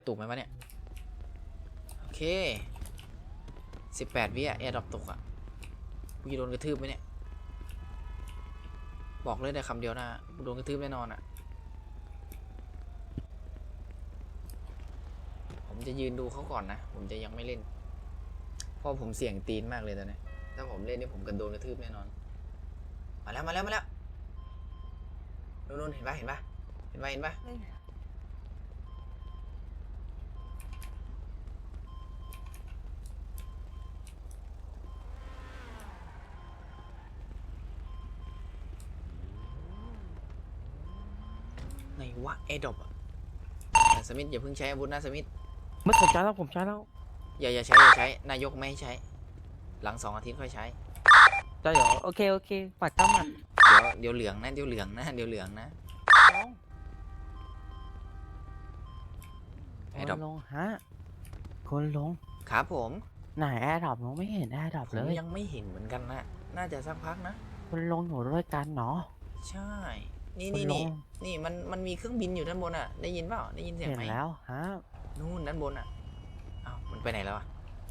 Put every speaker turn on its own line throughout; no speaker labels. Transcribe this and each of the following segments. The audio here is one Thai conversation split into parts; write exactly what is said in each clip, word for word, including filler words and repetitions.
ตุกไหมวะเนี่ยโอเคสิบแปดวิอะแอร์ดรอปตกอะกูจะโดนกระทืบไหมเนี่ยบอกเลยได้คำเดียวนะกูโดนกระทืบแน่นอนอะผมจะยืนดูเขาก่อนนะผมจะยังไม่เล่นเพราะผมเสี่ยงตีนมากเลยตอนนี้ถ้าผมเล่นนี่ผมกันโดนกระทืบแน่นอนมาแล้วมาแล้วมาแล้วนู่นเห็นปะเห็นปะเห็นปะเห็นปะไหนวะแอร์ดรอปอะสมิธอย่าเพิ่งใช้อาวุธนะสมิธ
ไม่ผมใช้แล้วผมใช้แล้ว
อย่าอย่าใช้อย่าใช้นายกไม่ให้ใช้หลังสองอาทิตย์ค่อยใช้
ใช่เหรอโอเคโอเคปัดก้ามัน
เดี๋ยวเดี๋ยวเหลืองนะเดี๋ยวเหลืองนะเดี๋ยวเหลืองนะแอร์ดรอป
ลงฮะคนลง
ครับผม
ไหนแอร์ดรอปลงไม่เห็นแอร์ดรอป
ผ
เล
ม
ย
ยังไม่เห็นเหมือนกันนะน่าจะสักพักนะ
คนลงอยู่ด้วยกันเนาะ
ใช่นี่นี่นี่นี่มันมันมีเครื่องบินอยู่ด้านบนอ่ะได้ยินเปล่าได้ยินเสียงไหม
เห็นแล้วฮะ
นู่นด้านบนอ่ะอ้าวมันไปไหนแล้วอ่ะ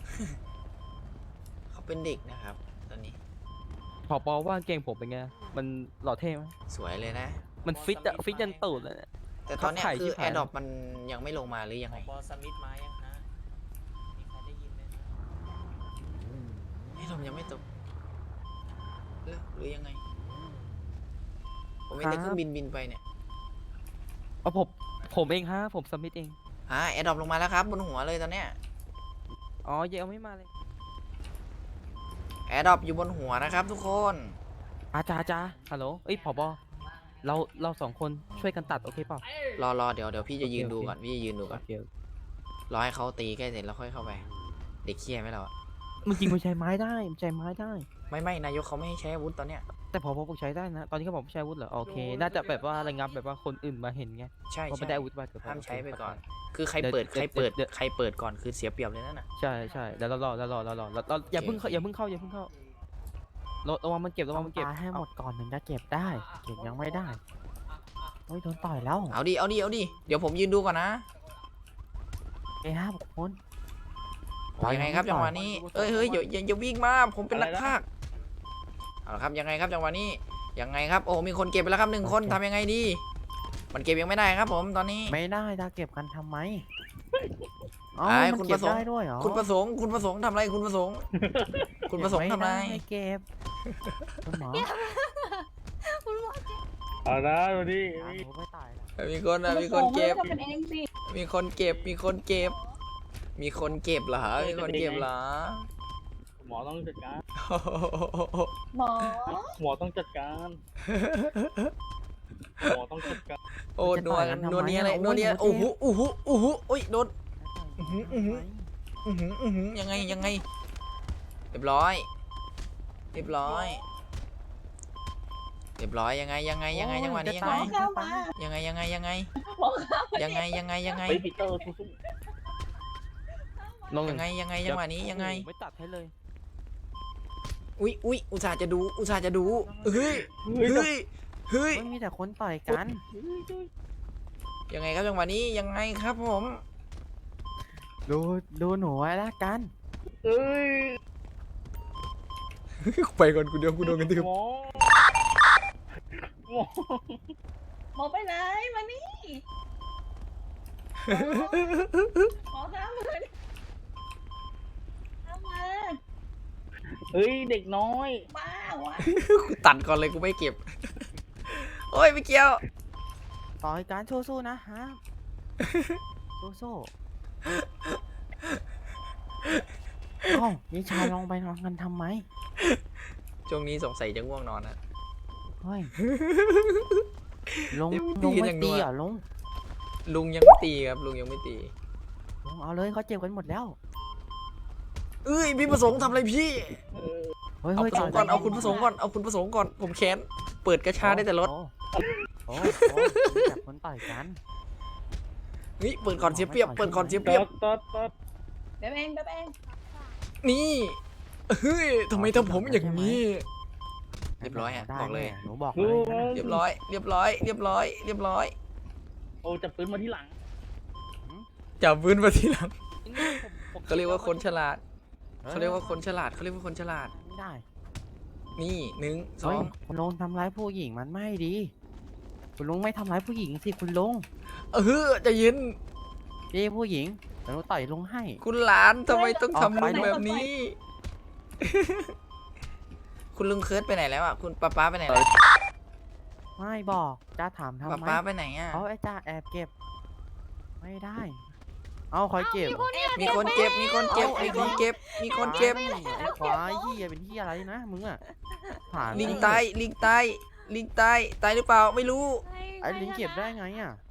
เขาเป็นเด็กนะครับตอนนี้
พอปอว่าเกงผมเป็นไงมันหล่อเท่ไหม
สวยเลยนะ
มันฟิตอะฟิตยันตูดเลย
แต่ตอนนี้คือแอร์ดรอปมันยังไม่ลงมาหรือยังไง
บอสมิธมายังฮะมีใครได้ยินไหมฮะ
แอร์ดรอปยังไม่ตกหรือหรือยังไงผมไม่ได้เครื่องบินบินไปเนี่ย
เอาผมผมเองฮะผมสมิธเอง
อ่าแอร์ดรอปลงมาแล้วครับบนหัวเลยตอนเนี้ย
อ๋อเยังไม่มาเลย
แอร์ดรอปอยู่บนหัวนะครับทุกคน
อาจารย์จ้าฮัลโหลเอ้ยผบเราเราสองคนช่วยกันตัดโอเคเปล่าร
อรอเดี๋ยวเดี๋ยวพี่จะยืนดูก่อนพี่จะยืนดูก่อนรอให้เขาตีใกล้เสร็จแล้วค่อยเข้าไปเด็กเคี้ยไหมเราอะ
มันจริงมันใช้ไม้ได้มันใช้ไม้ได้
ไม่ไม่นายกเขาไม่ให้ใช้อาวุธตอนเนี้ย
แต่พอผมใช้ได้นะตอนนี้เขาบอกใช้อาวุธเหรอโอเคน่าจะแบบว่าระงับแบบว่าคนอื่นมาเห็นไง
ใช่
ใช่ไม่ได้อาวุธมา
ห้ามใช้ไปก่อนคือใครเปิดใครเปิดใครเปิดก่อนคือเสียเปรียบเลยนั่นน่ะ
ใช่ใช่แล้วรอแล้วรอแล้วรอแล้วอย่าเพิ่งอย่าเพิ่งเข้าอย่าเพิ่งเข้าระวังมันเก็บระวังมันเก็บให้หมดก่อนถึงจะเก็บได้เก็บยังไม่ได้โอ้ยโดนต่อยแล้ว
เอาดิเอาดิเอาดิเดี๋ยวผมยืนดูก่อนนะ
เอ้ยครับคน
ยังไงครับจังหวะนี้เอ้ยเฮ้ยอย่าอย่าวิ่งมาผมเป็นนักพากย์เอาละครับยังไงครับจังหวะนี้ยังไงครับโอ้มีคนเก็บไปแล้วครับหนึ่งคนทำยังไงดีมันเก็บยังไม่ได้ครับผมตอนนี้
ไม่ได้จะเก็บกันทำไมอ๋อ
คุณประสงค์คุณประสงค์คุณประสงค์ทำอะไรคุณประสงค์คุณประสงค์ทำอะไร
เก็บคุณหมอ
เอาละดูดิ
มีคนนะมีคนเก็บมีคนเก็บมีคนเก็บมีคนเก็บเหรอมีคนเก็บเหรอ
หมอต้องจัดการ
หมอ
หมอต้องจัดการหมอต้องจัดการ
โอ้นัวนัวนี้อะไรนัวนี้โอ้โหโอ้โหโอ้โหโอ้ยโดนอือหืออือหืออือหืออือหือยังไงยังไงเรียบร้อยเรียบร้อยเรียบร้อยยังไงยังไงยังไงจังหวะนี้ยังไงยังไงยังไงยังไงยังไงยังไงยังไง
ปีเตอร์
ยังไงยังไงจังหวะนี้ยังไง
ไม่ตัดให้เลย
อุ้ยอุ้ยอุตส่าห์จะดูอุตส่าห์จะดูเฮ้ยเฮ้ยเฮ้ย
มีแต่คนต่อยกัน
ยังไงครับจังหวะนี้ยังไงครับผม
ดูดูหนูไว้ละกัน
เอ้ย
ไปก่อนกูเดี๋ยวกูโดนกันที
หมอหมอ
หมอไปไหนมานี่หมอข้ามมาข้ามมา
เฮ้ยเด็กน้อย
บ้าวะ
กูตัดก่อนเลยกูไม่เก็บโอ้ยไม่เกี่ยว
ต่อยการสู้ๆนะฮะสู้ๆอ้าวนิชาลองไปนอนกันทำไม
ช่วงนี้สงสัยจะง่วงนอนนะ
เฮ้ยลงลงไม่ตีอ่ะลง
ลุงยังไม่ตีครับลุงยังไม่ตี
ลงเอาเลยเขาเจ็บกันหมดแล้ว
เอ้ยพี่ประสงค์ทำอะไรพี่เอาประสงค์ก่อนเอาคุณประสงค์ก่อนเอาคุณประสงค์ก่อนผมแค้นเปิดกระชาได้แต่รถ
โอ้จับคนต่อยกัน
นี่เปิดก่อนเสียเปรียบเปิดก่อนเสียเปรียบ
ตัดตัด
เบ๊บเองเบ๊บเอง
นี่เฮ้ยทำไมทำผมอย่างนี้เรียบร้อยอ่ะบอกเลย
หนูบอกเลย
เรียบร้อยเรียบร้อยเรียบร้อยเรียบร้อย
โอ้จับปืนมาที่หลัง
จับปืนมาทีหลัง
นี่ผมผม
เขาเรียกว่าคนฉลาด
ออ
เขาเรียกว่าคนฉลาดเขาเรียกว่าคนฉลาด
ไม่ได้
นี่หนึ่งสอ
เฮ้ย
ง
คุณลุงทำร้ายผู้หญิงมันไม่ดี คุณลุงไม่ทำร้ายผู้หญิงสิคุณลุง
เออใจะเย็น
ดีผู้หญิงเดี๋ยวหนูต่อยลุงให้
คุณหลานทำไมต้อง
เอา
ทำ
ไป
ลุงแบบนี้ คุณลุงเคิร์ดไปไหนแล้วอ่ะคุณป้าป้าไปไหนแล้ว
ไม่บอกจ้าถามทำ
ป้า
ไม
ป้าไปไหนอ่ะ
เขาไอ้จ้าแอบเก็บ ไม่ได้ เอาคอยเก็บ
มีคนเก็บมีคนเก็บมีคนเก็บมีคนเก็บ
ไอ้ควายเหี้ยเป็นเหี้ยอะไรนะมึงอ่ะผ่าน
ลิงตายลิงตายลิงตายตายหรือเปล่าไม่รู้
ไอ้ลิงเก็บได้ไงอ่ะ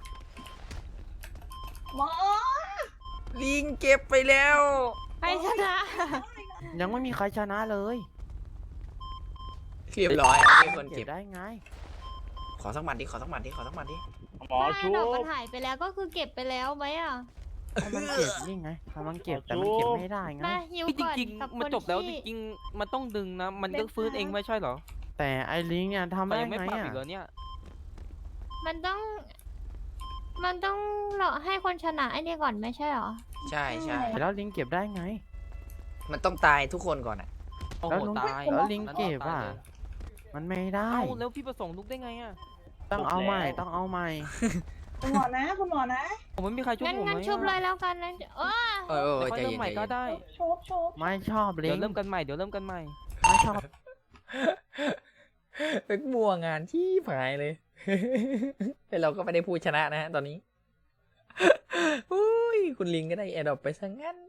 หมอ
ลิงเก็บไปแล้ว
ใครชนะ
ยังไม่มีใครชนะเลย
เรียบร้อยมีคน
เก็
เก็
บบ ได้ไง
ขอสักหมัดดิขอสักหมัดดิขอสักหมัดดิ
หมอชุ
ดอก
บ
มันหายไปแล้วก็คือเก็บไปแล้วไหมอ่ะ
ถ้ามันเก็บนี่ไงถ้ามันเก็บแต่มันเก็บไม่ได้ไง
มาฮิว
จ
ก่อน
ริง
กับ
ๆ
ค
มัน
น
จบแล้วจ
ที่
ริงๆมันต้องดึงนะ มันก็ฟื้นเองไม่ใช่เหรอ แต่ไอ้ลิงเนี่ยทำ
มัน
ได้
ยังไม่
ไง
ปรับ
อ่ะ
อีกเหรอเนี่ย
มันต้อง มันต้องรอให้คนชนะไอ้นี่ก่อนไม่ใช่เหรอ
ใช่ใช่
แล้วลิงเก็บได้ไง
มันต้องตายทุกคนก่อนอ่ะ
โอ้
แล้ว
โห
ลุง
ตาย
แล้วลิง
นั้น
เก็บ
ตาย
อ่ะ
เลย
มันไม่ได้
เอ้าแล้วพี่ประสงค์ลุกได้ไงอ่ะ
ต้องเอาใหม่ต้องเอาใหม่
คุณหมอนะคุณหมอนะ
ผมไม่มีใครช่วย
งั้น
ผม
งั้น
ไหม
ชุบเลยแล้วกันนะเออ
เออเออ
เดี๋ยวค่อย
ใจ
เริ่
เย็
ม
น
ใหม่
ใจ
ก็
เย็น
ได้
โชบโชบ
ไม่ชอบลิ
เดี๋ย
ง
วเริ่มกันใหม่เดี๋ยวเริ่มกันใหม่
ไม่ชอบ
เป็นบัวงานที่หายเลย แต่เราก็ไม่ได้พูดชนะนะฮะตอนนี้ อุ้ยคุณลิงก็ได้แอดดอปไปซะงั้น